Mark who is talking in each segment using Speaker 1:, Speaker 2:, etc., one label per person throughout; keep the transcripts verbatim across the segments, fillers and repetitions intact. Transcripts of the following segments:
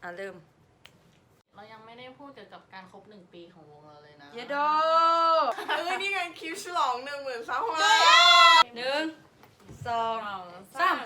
Speaker 1: อ่ะเริ่ม
Speaker 2: เรายังไม่ได้พูดเกี่ยวกับการครบหนึ่งปีของวงเราเลยนะ
Speaker 1: เยโด
Speaker 3: เอ้ยนี่ไงคลิปฉลองหนึ่งหมื่นซับของเรา
Speaker 1: หนึ่งสองสาม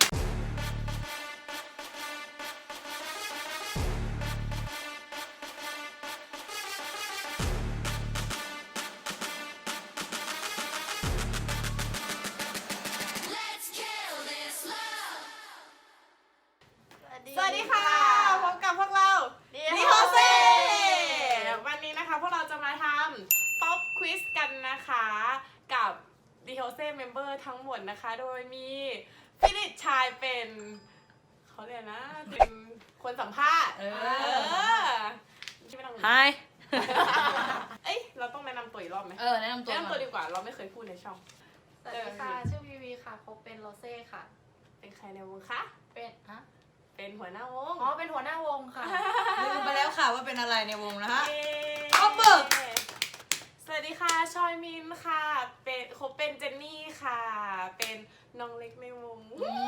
Speaker 3: สวัสดีค่ะพบกับพวกเราดิโฮเซ่วันนี้นะคะพวกเราจะมาทำป๊อปควิสกันนะคะกับดิโฮเซ่เมมเบอร์ทั้งหมดนะคะโดยมีฟิลิปชายเป็นเขาเรียกนะเป็นคนสัมภาษณ์เออที่ไม่ต้อง
Speaker 1: ฮาย
Speaker 3: เอ้ยเราต้องแนะนำตัวอีกรอบไหม
Speaker 1: เออแนะนำตัว
Speaker 3: แนะนำตัวดีกว่าเราไม่เคยพูดในช่อง
Speaker 4: สวัสดีค่ะชื่อวีวีค่ะพบเป็นโรเซ่ค่ะ
Speaker 3: เป็นใครในวงคะ
Speaker 4: เป็นฮะ
Speaker 3: เป็นหัวหน้าวง
Speaker 4: อ๋อเป็นหัวหน้าวงค่ะ
Speaker 1: ลืมไปแล้วค่ะว่าเป็นอะไรในวงนะฮะ
Speaker 3: ขอบคุณสวัสดีค่ะชอยมินค่ะเป็นคบเป็นเจนนี่ค่ะ เป็นน้องเล็กในวง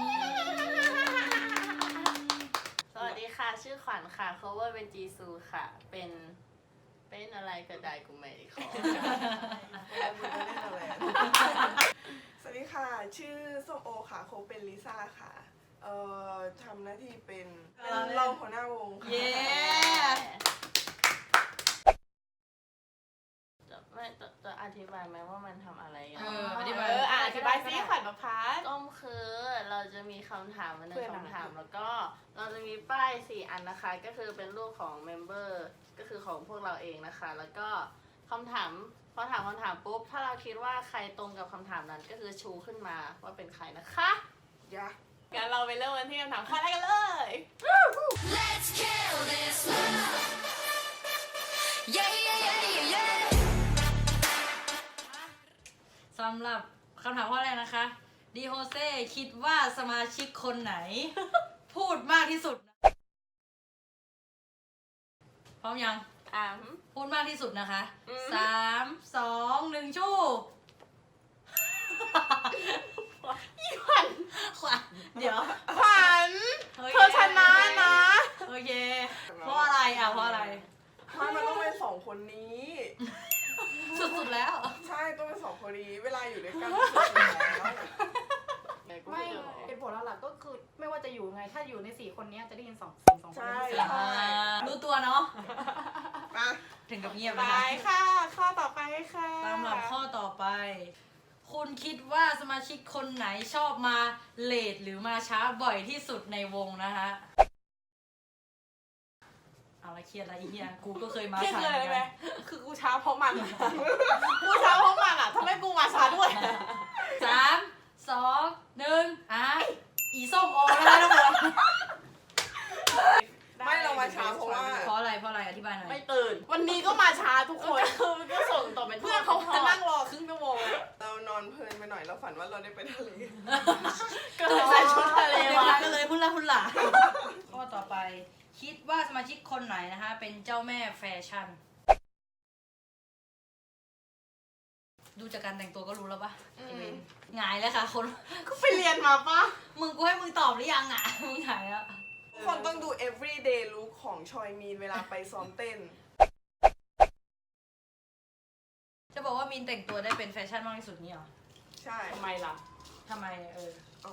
Speaker 2: สวัสดีค่ะชื่อขวัญค่ะ cover เป็นจีซูค่ะเป็นเป็นอะไรก็ได้กูไม่ได้ขอ
Speaker 5: สวัสดีค่ะชื่อส้มโอค่ะโคเป็นลิซ่าค่ะเอ่อทำหน้าที่เป็นรองหัวหน้าวงค่ะ
Speaker 1: เย้
Speaker 2: จะไม่จะจะอธิบายไหมว่ามันทำอะไรกัน
Speaker 1: เอออธิบาย
Speaker 3: เอออ่ะอธิบายซิขวัญประพัฒน์
Speaker 2: ก็คือเราจะมีคำถามมาหนึ่
Speaker 3: เพื่อง น
Speaker 2: คำถามแล้วก็เราจะมีป้ายสี่อันนะคะก็คือเป็นรูปของเมมเบอร์ก็คือของพวกเราเองนะคะแล้วก็คำถามพอถามคำถามปุ๊บถ้าเราคิดว่าใครตรงกับคำถามนั้นก็คือชูขึ้นมาว่าเป็นใครนะคะ
Speaker 5: ยะ
Speaker 3: งั้นเราไปเริ่มกันที่คำถามข้อแรกกันเลย
Speaker 6: Let's kill this love. Yeah, yeah, yeah, yeah.
Speaker 1: สำหรับคำถามข้อแรกนะคะดิโฮเซ่คิดว่าสมาชิกคนไหน พูดมากที่สุดพร้อมยัง
Speaker 3: อ่ะ
Speaker 1: พูดมากที่สุดนะคะ
Speaker 3: อืม
Speaker 1: สามสองหนึ่งชู้
Speaker 3: อีขวัญ
Speaker 1: ขวัญเดี๋ยว
Speaker 3: ขวัญ
Speaker 1: โอเค
Speaker 3: เธอชนะนะ
Speaker 1: โอเคเพราะอะไรอ่ะเพราะอะไร
Speaker 5: ไม่มันต้องเป็นสองคนนี้
Speaker 1: สุดๆแล้ว
Speaker 5: ใช่ต้องเป็นสองคนนี้เวลาอยู่ด้วยกันสุดๆแล้ว
Speaker 4: ไม่เป็นผลหลักๆก็คือไม่ว่าจะอยู่ไงถ้าอยู่ในสี่คนนี้จะได้ยินสองเสียงสองคน
Speaker 5: ใช่
Speaker 4: นี้
Speaker 1: อ่ารู้ตัวเนาะ
Speaker 5: มา
Speaker 1: ถึงกับเงียบ
Speaker 3: ไป
Speaker 1: นะคะ
Speaker 3: ค่ะ ข้อต่อไปค่ะ
Speaker 1: สำหรับข้อต่อไป คุณคิดว่าสมาชิกคนไหนชอบมาเลทหรือมาช้าบ่อยที่สุดในวงนะคะเอาละเครียดอะไรอีกเนี่ยกูก็เคยมา
Speaker 3: เครียด
Speaker 1: ช้า
Speaker 3: เลย
Speaker 1: เหมือน
Speaker 3: ไหม
Speaker 1: กัน
Speaker 3: คือกูช้าเพราะมัน กูช้าเพราะมันอ่ะทำไมกูมาช้าด้วย
Speaker 1: สามสองหนึ่งอ่ะอีส้มโอแล้วนะทุกคน
Speaker 5: ไม่เรามาช้าเพราะว่า
Speaker 1: เพราะอะไรเพราะอะไรอธิบายหน่อย
Speaker 3: ไม่ตื่น วันนี้ก็มาช้าทุกคน
Speaker 2: ก็ส่งต่อเป็น
Speaker 3: เพื่อนเขาจะนั่งรอครึ่งชั่วโมง
Speaker 5: เรานอนเพลินไปหน่อยเราฝันว่าเราได้ไปทะเล
Speaker 3: ก็เลยใส่ชุดทะเล
Speaker 1: เดี๋ยว
Speaker 3: มา
Speaker 1: ก็เลยพุ่นละพุ่นละข้อต่อไป คิดว่าสมาชิกคนไหนนะคะ เป็นเจ้าแม่แฟชั่น ดูจากการแต่งตัวก็รู้แล้วปะไอ้เวนหงายเลยค่ะคน
Speaker 3: ก็ไปเรียนมาปะ
Speaker 1: มึงกูให้มึงตอบหรือยังอ่ะ มึงหงายแล้ว
Speaker 5: ทุกคนต้องดู everyday look ของชอยมีนเวลาไปซ้อมเต้น
Speaker 1: จะบอกว่ามินแต่งตัวได้เป็นแฟชั่นมากที่สุดนี่เหรอ
Speaker 5: ใช่
Speaker 3: ทำไมล่ะ
Speaker 1: ทำไมเออ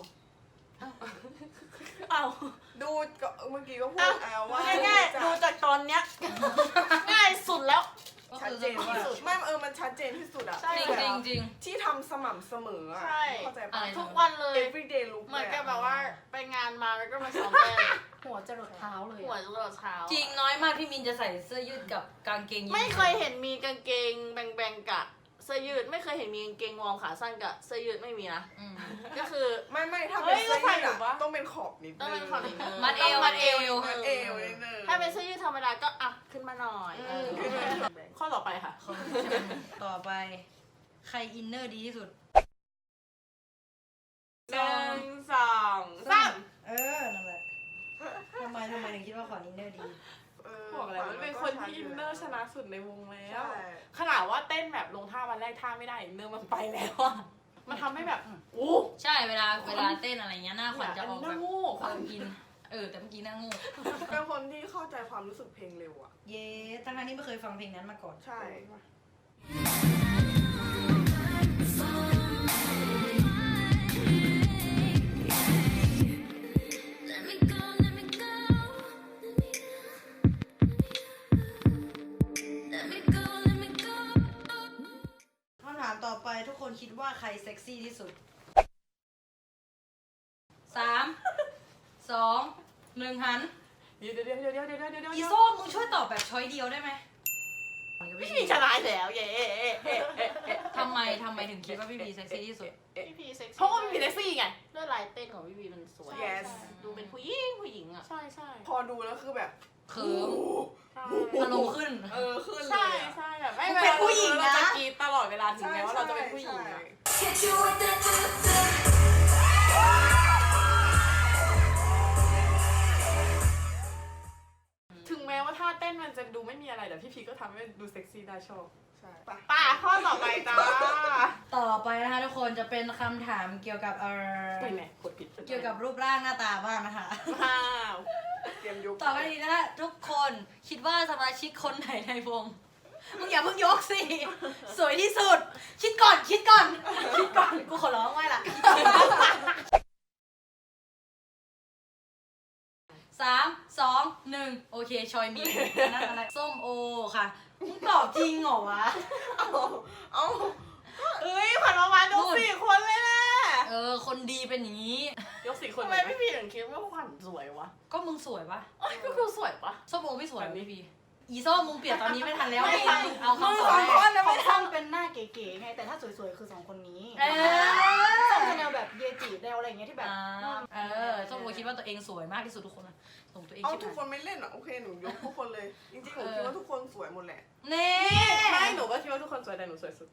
Speaker 3: เอ้า
Speaker 5: ดูก็เมื่อกี้ก็พูดเอาว่า
Speaker 3: ง่ายๆดูจากตอนเนี้ย ง่ายสุดแล้ว
Speaker 1: ก็
Speaker 5: ชัด
Speaker 1: คือ
Speaker 5: เจนที่สุดไม่เออมันชัดเจนที่สุดอะ
Speaker 3: ใช่
Speaker 1: จริงจริงจริง
Speaker 5: ที่ทำสม่ำเสมออะ
Speaker 3: ใช่
Speaker 5: เข้าใจ
Speaker 1: อะ
Speaker 5: ปะ
Speaker 1: ไร
Speaker 2: ทุกวันเลย
Speaker 5: everyday look
Speaker 2: เหมือนกับแบบว่าไปงานมาแล้วก็มาซ้อมเต้น
Speaker 4: หัวจะหลดเท้าเลย
Speaker 2: หัวจรดเท้า
Speaker 1: จริงน้อยมากที่มินจะใส่เสื้อยืดกับกางเกงยีนส์
Speaker 2: ไม่เคยเห็นมีกางเกงแบงๆกับเสื้อยืดไม่เคยเห็นมีกางเกงวอร์มขาสั้นกับเสื้อยืดไม่มีนะ
Speaker 1: อืม
Speaker 2: ก็คือ
Speaker 5: ไม่ไม่ถ้า
Speaker 3: เฮ้
Speaker 5: เป็น
Speaker 3: ย
Speaker 5: เสื้อ
Speaker 3: ก็ใส่
Speaker 5: ยืด
Speaker 3: อยู่ปะ
Speaker 5: อะต้องเป็นขอบนิดนึง
Speaker 2: ต้องเป็นขอบนิดนึง
Speaker 1: มัดเอว
Speaker 2: ต้อง
Speaker 1: มัดเอว
Speaker 5: มัดเอวนิดนึง
Speaker 2: ถ้าเป็นเสื้อยืดธรรมดาก็อ่ะขึ้นมาหน่อย
Speaker 5: อืม
Speaker 2: เออ
Speaker 3: ข้อต่อไปค่ะ
Speaker 1: คนต่อไป ใครอินเนอร์ดีที่สุด
Speaker 3: หนึ่งสองสาม
Speaker 1: เออ นั่นแหละทำไมทำไมถึงคิดว่าขวัญอินเนอร์ดี
Speaker 5: เออ
Speaker 3: บอกแล้วมันเป็นคนที่อินเนอร์ชนะสุดในวงแล้ว
Speaker 5: ใช่
Speaker 3: ขนาดว่าเต้นแบบลงท่าวันแรกท่าไม่ได้อินเนอร์มันไปแล้วอะมันทำให้แบบอู้
Speaker 1: ใช่เวลาเวลาเต้นอะไรเงี้ยหน้าขวัญจะออก
Speaker 3: ห
Speaker 1: แบ
Speaker 3: น้า
Speaker 1: บ
Speaker 3: โง่
Speaker 1: ความอิน เออ แต่เมื่อกี้หน้างู
Speaker 5: ก็เพราะคนที่เข้าใจความรู้สึกเพลงเร็วอ่ะ
Speaker 1: เย้ทั้งๆที่ไม่เคยฟังเพลงนั้นมาก่อน
Speaker 5: ใช่
Speaker 6: Let me go, let me go. Let me go, let me go.
Speaker 1: คำถามต่อไปทุกคนคิดว่าใครเซ็กซี่ที่สุด สาม สอง หนึ่งหัน
Speaker 3: เดี๋ยวเดี๋ยวเดี๋ยวเดี๋ยวเดี๋ยวเดี๋ยวเดี๋ยว
Speaker 1: อีโซ่มึงช่วยตอบแบบช้อยเดียวได้ไหม
Speaker 2: พี่พีชนะแล้วเย้
Speaker 1: ทำไมทำไมถึงคิดว่าพี่บีเซ็กซี่ที่สุด
Speaker 2: พี่พีเซ็กซี่
Speaker 3: เพราะว่าพี่พีเซ็กซี่ไง
Speaker 2: ด้วยลายเต้นของพี่พีมันสวย
Speaker 5: Yes
Speaker 2: ดูเป็นผู้หญิงผู้หญิงอ่ะ
Speaker 3: ใช่ใช่
Speaker 5: พอดูแล้วคือแบบ
Speaker 1: เขิม
Speaker 3: ใช่
Speaker 1: อารมณ์ขึ้น
Speaker 5: เออขึ้นเล
Speaker 3: ใช่
Speaker 5: ยอะ
Speaker 3: ใช่แบบไม่
Speaker 1: มึงเป็นผู้หญิงนะ
Speaker 3: เราจะกรีดตลอดเวลาถึงแม้ว่าเราจะเป็นผู้หญิง
Speaker 5: ใช่
Speaker 3: อะ
Speaker 6: Hit you with that do do.
Speaker 3: ถึงแม้ว่าท่าเต้นมันจะดูไม่มีอะไรแต่พี่พีก็ทำให้ดูเซ็กซี่ได้ชอบ
Speaker 5: ใช่ไป
Speaker 3: ป่าข้อต่อไปจ้า
Speaker 1: ต่อไปนะคะทุกคนจะเป็นคำถามเกี่ยวกับเออ
Speaker 3: ไม่แม่กดผิด
Speaker 1: เกี่ยวกับรูปร่างหน้าตาบ้างนะคะ
Speaker 3: ว้าว
Speaker 5: เตรียมยุบ
Speaker 1: ต่อไปนี้นะคะทุกคนคิดว่าสมาชิกคนไหนในวงมึงอย่าเพิ่งยกสิ สวยที่สุด คิดก่อนคิดก่อน คิดก่อน กูขอร้องไว้ล่ะ สามสองหนึ่งโอเค ชอยมีอันนั้นอะไรส้มโอค่ะมึงตอบจริงเหรอวะ
Speaker 5: เอาเอา
Speaker 3: เอ้ยขวัญออกมาดูสี่คนเลยแหละ
Speaker 1: เออ คนดีเป็นอย่างนี้
Speaker 3: ยกสี่คน
Speaker 2: ทำไมพี่พีถึงคิดว่าขวัญสวยวะ
Speaker 1: ก็มึงสวยปะ
Speaker 2: เอ้ยก็คือสวยปะ
Speaker 1: ส้มโอไม่สวยเหรอพี่พีอีส้มมึงเปลี่ยนตอนนี้ไม่ทันแล้ว
Speaker 4: ไม่
Speaker 1: มึง
Speaker 4: ทัน
Speaker 1: เอาคำตอบ
Speaker 4: สอง
Speaker 1: ให้
Speaker 4: คนของช่างเป็นหน้าเก๋ๆไง แต่ถ้าสวยๆคือสองคนนี้
Speaker 1: เออ
Speaker 4: ส้มจะแนวแบบเยจิแนวอะไรอย่างเงี้ยที่แบบ
Speaker 1: อ่าเออส้มโอคิดว่าตัวเองสวยมากที่สุดทุกคนนะส่งตัวเอง
Speaker 5: เอา
Speaker 1: คิด
Speaker 5: ทุก
Speaker 1: ห
Speaker 5: ค
Speaker 1: น่อย
Speaker 5: นไม่เล่นอ่ะโอเคหนูยกทุกคนเลย จริงๆหนูคิดว่าทุกคนสวยหมดแหละ
Speaker 1: เน่
Speaker 3: ไม่หนูก็คิดว่าทุกคนสวยแต่หนูสวยสุด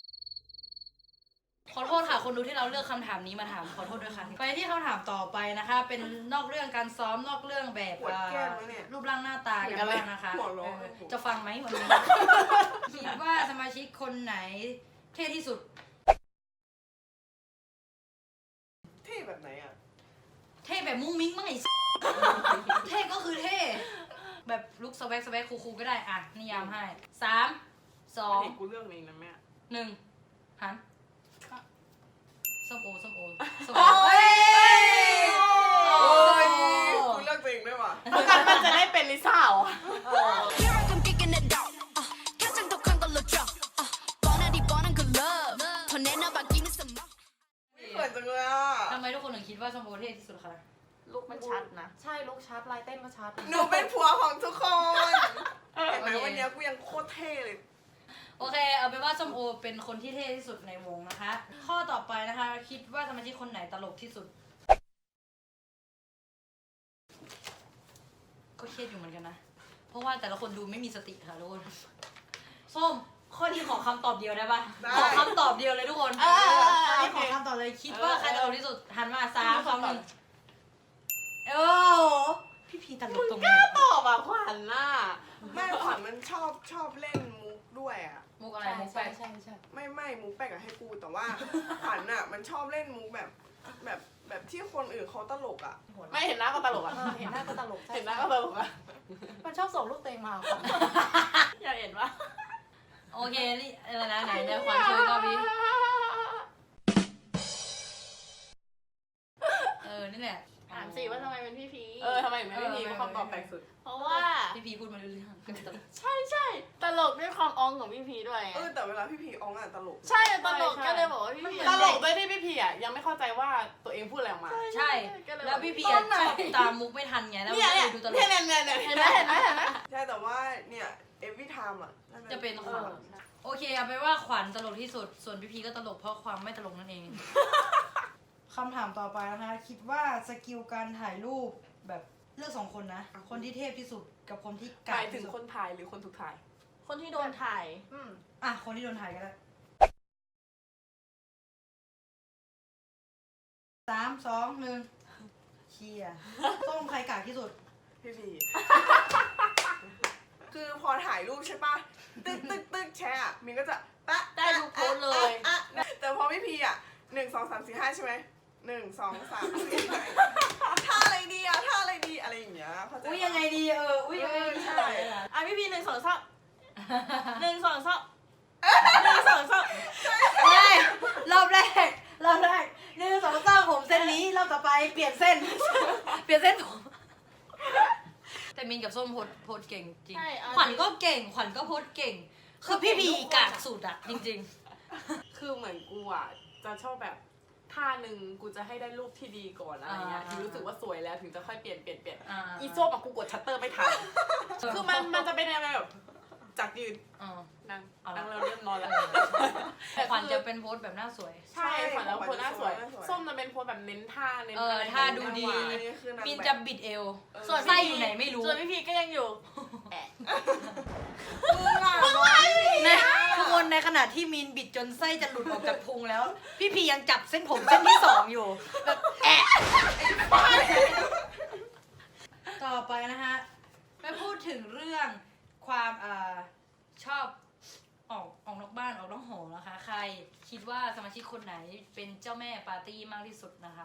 Speaker 1: ขอโทษค่ะ คนดูที่เราเลือกคำถามนี้มาถามขอโทษด้วยค่ะ ไปที่คำถามต่อไปนะคะ เป็นนอกเรื่องการซ้อมนอกเรื่องแบบ
Speaker 5: ปวดแก้มแล้วเนี่ย
Speaker 1: รูปร่างหน้าตากันบ้างนะคะ
Speaker 5: หัวเราะ
Speaker 1: เออจะฟังไหมวันนี้ คิดว่าสมาชิกคนไหนเท่ที่สุด
Speaker 5: เท่แบบไหนอ่ะ
Speaker 1: เท่แบบมุ้งมิ้งมั้งไอ้ เท่ก็คือเท่ แบบลุกสแวกสแวกคูลๆก็ได้อ่ะนิยามให้สามสอง
Speaker 3: เห็นกูเรื่องนี้นะแม่
Speaker 1: หนึ่งหันส้มโอส้มโอส้ม
Speaker 5: โอ้
Speaker 1: โอย โอ้
Speaker 5: โอ้ย
Speaker 1: ย
Speaker 5: กูเลือกตัวเองด้วยว่ะ
Speaker 3: ประกันมันจะได้เป็นลิซ่าเหรอ
Speaker 6: Here I come kicking it out. Uh, 가장 독한 걸로 drop. Uh, 뻔하디 뻔한 그 love. 더 내놔봐 give me some more.
Speaker 5: เขินจังเลยอ่ะ
Speaker 1: ทำไมทุกคนถึงคิดว่าส้มโอเท่ที่สุดคะ
Speaker 2: ลูกมันชัดนะ
Speaker 4: ใช่ลุกชัดลายเต้นก็ชัด
Speaker 5: หนูเป็นผัวของทุกคนเห็นไหมวันเนี้ยกูยังโคตรเท่เลย
Speaker 1: โอเค เอาเป็นว่าส้มโอเป็นคนที่เท่ที่สุดในวงนะคะ ข้อต่อไปนะคะ คิดว่าสมาชิกคนไหนตลกที่สุด ก็เครียดอยู่เหมือนกันนะ เพราะว่าแต่ละคนดูไม่มีสติค่ะทุกคน ส้ม ข้อนี้ขอคำตอบเดียวได้ปะ
Speaker 5: ได้
Speaker 1: ขอคำตอบเดียวเลยทุกคน
Speaker 3: เออเออเออ
Speaker 1: อันนี้
Speaker 3: โอ
Speaker 1: ข
Speaker 3: เค
Speaker 1: อคำตอบเลย คิดว่าใครตลกที่สุด หันมาสามสองหนึ่งโอ้พี่พีตลกตรงไหน
Speaker 3: ตอบอ่ะขวัญน่ะ
Speaker 5: แม่ขวัญมันชอบชอบเล่นมุกด้วยอ่ะ
Speaker 1: มุกอะไร
Speaker 4: ใช่
Speaker 1: มุกแปล
Speaker 4: ใช่
Speaker 1: ก
Speaker 4: ใช่ใช่
Speaker 5: ไม่ไม่มุกแปลกอะให้กูแต่ว่า ขวัญอ่ะมันชอบเล่นมุกแบบแบบแบบที่คนอื่นเขาตลกอ่ะ
Speaker 3: ไม่เห็นหน้าก็ตลกอ่ะ
Speaker 4: เออเห็นหน้าก็ตลกใช่
Speaker 3: เห็นหน้าก็ตลกอ่ะ
Speaker 4: มันชอบส่งลูกเตงมาค่ะ
Speaker 3: อยากเห็นปะ
Speaker 1: โอเคนี่อะไรนะไหนในความช่วยก็พี่เออ นี่แหละ
Speaker 2: ถามสิว่าทำไมเป็นพี่พี
Speaker 3: เออทำไมถึงไม่มีคำตอบแปลกสุด
Speaker 2: เพราะว่า
Speaker 1: พี่พีพูดมาเรื่อยๆ
Speaker 2: ใช่ใช่ตลกด้วยความอองของพี่พีด้วยไง
Speaker 5: เออแต่เวลาพี่พีอองอ่ะตลก
Speaker 2: ใช่ตลกก็เลยบอกว่าพี่พี
Speaker 3: ตลกด้วยที่พี่พีอ่ะยังไม่เข้าใจว่าตัวเองพูดอะไรออกมา
Speaker 1: ใช่ แล้วพี่พีอะชอบตามมุกไม่ทันไง แล้ว
Speaker 3: เนี่ย
Speaker 1: ก็
Speaker 3: เนี่
Speaker 1: เลย ยดูตลก
Speaker 3: เนี่ยเนี่ยเนี่ย
Speaker 2: เห็นไหมเห็นไหมเห็นไหม
Speaker 5: ใช่แต่ว่าเนี่ย every time อ่ะา
Speaker 1: จะเป็น
Speaker 5: อ
Speaker 1: ขวัญ
Speaker 5: อ
Speaker 1: โอเคเอาไปนว่าขวัญตลกที่สุด ส่วนพี่พีก็ตลกเพราะความไม่ตลกนั่นเอง คำถามต่อไปนะคะ คิดว่าสกิลการถ่ายรูปแบบเลือกสองคนนะ คนที่เทพที่สุดกับคนที่
Speaker 3: ห
Speaker 1: กาม
Speaker 3: าย
Speaker 1: ก
Speaker 3: ถึง
Speaker 1: ที่สุด
Speaker 3: คนถ่ายหรือคนถูกถ่าย
Speaker 2: คนที่โดนถ่าย
Speaker 4: อืม
Speaker 1: อ่ะ คนที่โดนถ่ายก็ได้สามสองหนึ่งเชียร์ส้มใครกากที่สุด
Speaker 5: พี่พี คือพอถ่ายรูปใช่ปะตึ๊กตึ๊กตึ๊กแชร์อะมินก็จะแปะ
Speaker 2: ได้ทุกโพสต์เลย
Speaker 5: อะอะแต่พอพี่พีอ่ะหนึ่งสองสามสี่ห้าใช่ไหมหนึ่งสองสามสี่ห้าท่าอะไรดีอะท่าอะไรดีอะไรอย่างเงี้ยเข้าใจปะ
Speaker 1: อุ้ยยังไงดีเอ
Speaker 2: ะพี่พีหนึ่งสองสามหนึ่งสองสามหนึ่งสองสาม
Speaker 1: ไม่รอบแรกรอบแรกหนึ่งสองสามผมเส้นนี้รอบต่อไปเปลี่ยนเส้น เปลี่ยนเส้นผมแต่มินกับส้มโพสโพสเก่งจริง
Speaker 2: ใช่เอา
Speaker 1: ขวัญก็เก่งขวัญก็โพสเก่ง คือพี่พีกากสุดอะจริง
Speaker 3: คือเหมือนกูอ่ะจะชอบแบบท่าหนึ่งกูจะให้ได้รูปที่ดีก่อนอะไรเงี้ย
Speaker 1: อ่า
Speaker 3: ถึงรู้สึกว่าสวยแล้วถึงจะค่อยเปลี่ยนเปลี่ยนเปลี่ยน
Speaker 1: อ่า
Speaker 3: อีโซ่อะกูกดชัตเตอร์ไม่ทัน
Speaker 1: ๆ
Speaker 3: คือมันมันจะเป็นยังไงแบบจากยืน
Speaker 1: อ๋อ
Speaker 3: นั่ง
Speaker 1: เอาละ
Speaker 3: นั่งแล้วเริ่มนอนแล้ว
Speaker 1: แต่ขวัญจะเป็นโพสแบบหน้าสวย
Speaker 3: ใช่ขวัญแล้ว
Speaker 5: ขวัญ
Speaker 3: โพสหน้าสวย
Speaker 5: หน้าสวย
Speaker 3: ส้มจะเป็นโพสแบบเน้นท่าเน้น
Speaker 1: เออ
Speaker 3: อะไร
Speaker 1: ท่าดูดี
Speaker 3: หวาน
Speaker 5: อันนี้คือนาง
Speaker 1: มิน
Speaker 5: แบบ
Speaker 1: จะบิดเอว
Speaker 2: ส่วน
Speaker 1: ไส้อยู่ไหนไม่รู้
Speaker 2: ส่วนพี่พีก็ยังอยู่แอะ
Speaker 5: มึงอ่ะน้อย
Speaker 1: ในทุกคนในขณะที่มินบิดจนไส้จะหลุดออกจากพุงแล้ว พี่พียังจับเส้นผมเส้นที่สองอยู่แบบแอะต่อไปนะฮะไปพูดถึงเรื่องความอ่าชอบออกออกนอกบ้านออกนอกหอนะคะ ใครคิดว่าสมาชิกคนไหนเป็นเจ้าแม่ปาร์ตี้มากที่สุดนะคะ